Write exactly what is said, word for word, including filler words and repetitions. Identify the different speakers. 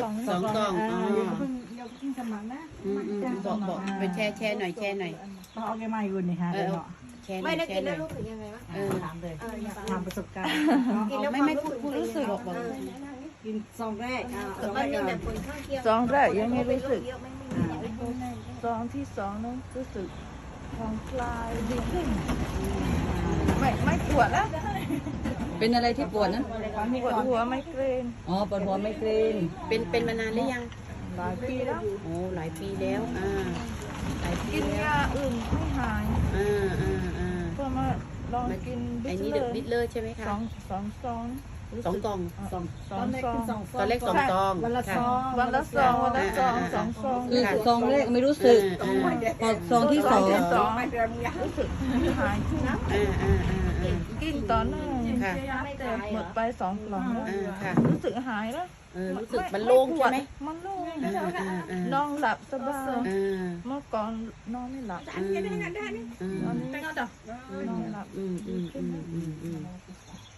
Speaker 1: อง
Speaker 2: สองกล่องอ๋อ
Speaker 3: เพิ่งเดี๋ยวเพิ่งสมัครนะ
Speaker 2: อืมอืมบอกบอกไปแช่แช่หน่อยแช่หน่อย
Speaker 3: ต้องเอาแกมาอยู่นี่ฮะ
Speaker 2: เอ
Speaker 3: เดี๋ย
Speaker 2: อ
Speaker 3: วเนาะ
Speaker 2: แช่หน่
Speaker 4: ไม่
Speaker 2: อย
Speaker 4: ได้
Speaker 2: แช่
Speaker 4: กิน
Speaker 2: ห
Speaker 4: แล้
Speaker 2: น่อย
Speaker 4: วรู้สึกยังไงวะ
Speaker 2: เออ
Speaker 3: ถามเลย
Speaker 4: เอออยาก
Speaker 3: ถามประสบการณ์
Speaker 4: กินแล้ว
Speaker 2: ไม่ไม่พูดพูดรู้สึกบอกบอก
Speaker 3: กินซองแรกอ่าซ
Speaker 4: แต่
Speaker 3: องแร
Speaker 4: มัน
Speaker 3: ก
Speaker 4: มี
Speaker 3: ก่อน
Speaker 4: แบบผลข้างเคียง
Speaker 1: ซองแรกยังไม่รู้สึก
Speaker 4: เยอะไม่มี
Speaker 1: ซองที่สองนั้นรู้สึกผ่อนคลายดีขึ้นไม่ไม่ปวดแล้ว
Speaker 5: เป็นอะไรที่ปวดนะ
Speaker 1: ปวดหัวไมเกรน
Speaker 5: อ๋อปวดหัวไมเกรน
Speaker 2: เป็นเป็นมานานหรือยัง
Speaker 1: หลายปีแล้ว
Speaker 2: โอ้หลายปีแล้วอ่าหลายปี
Speaker 1: กิน
Speaker 2: แล้ว
Speaker 1: ยาอื่นไม่หาย
Speaker 2: อ่าอ่าอ่า
Speaker 1: ก็มาลองกิน
Speaker 2: ไอ้
Speaker 1: บิ
Speaker 2: นี่
Speaker 1: ส
Speaker 2: เด
Speaker 1: เล
Speaker 2: อะ
Speaker 1: อ
Speaker 2: บิท
Speaker 1: ร์
Speaker 2: เลอร์ใช่ไหมคะ
Speaker 1: สองสองซองรู้
Speaker 2: สอง
Speaker 1: สึก
Speaker 2: กล่อง
Speaker 3: สอง
Speaker 1: สองซอง
Speaker 2: ตอนแรกสองซอง
Speaker 3: วันละ
Speaker 2: ค่ะ
Speaker 3: ซอง
Speaker 1: วันละซองวันละซองสองซอง
Speaker 5: คือซองแรกไม่รู้สึก
Speaker 2: อ่าอ่า
Speaker 5: พอซองที่สอง
Speaker 1: สองรู้สึกหายขึ้น
Speaker 2: อ่าอ่าอ่าอ่า
Speaker 1: กินต่อเนื่อง
Speaker 2: ค่ะ
Speaker 1: แต่หมดไปสองกล่องแล้ว
Speaker 2: อ่าค่ะ
Speaker 1: รู้สึกหายแล้ว
Speaker 2: เออรู้สึกมันโล่งใช่ไหม
Speaker 1: มันโล่ง
Speaker 2: อ่าอ่าอ่าน
Speaker 1: อนหลับสบาย
Speaker 2: อ่า
Speaker 1: เมื่อก่อนนอนไม่หลับ
Speaker 2: อืมอืม
Speaker 1: ตอนนี้นอนหลับ
Speaker 2: อืมอืมอืมอืมอืม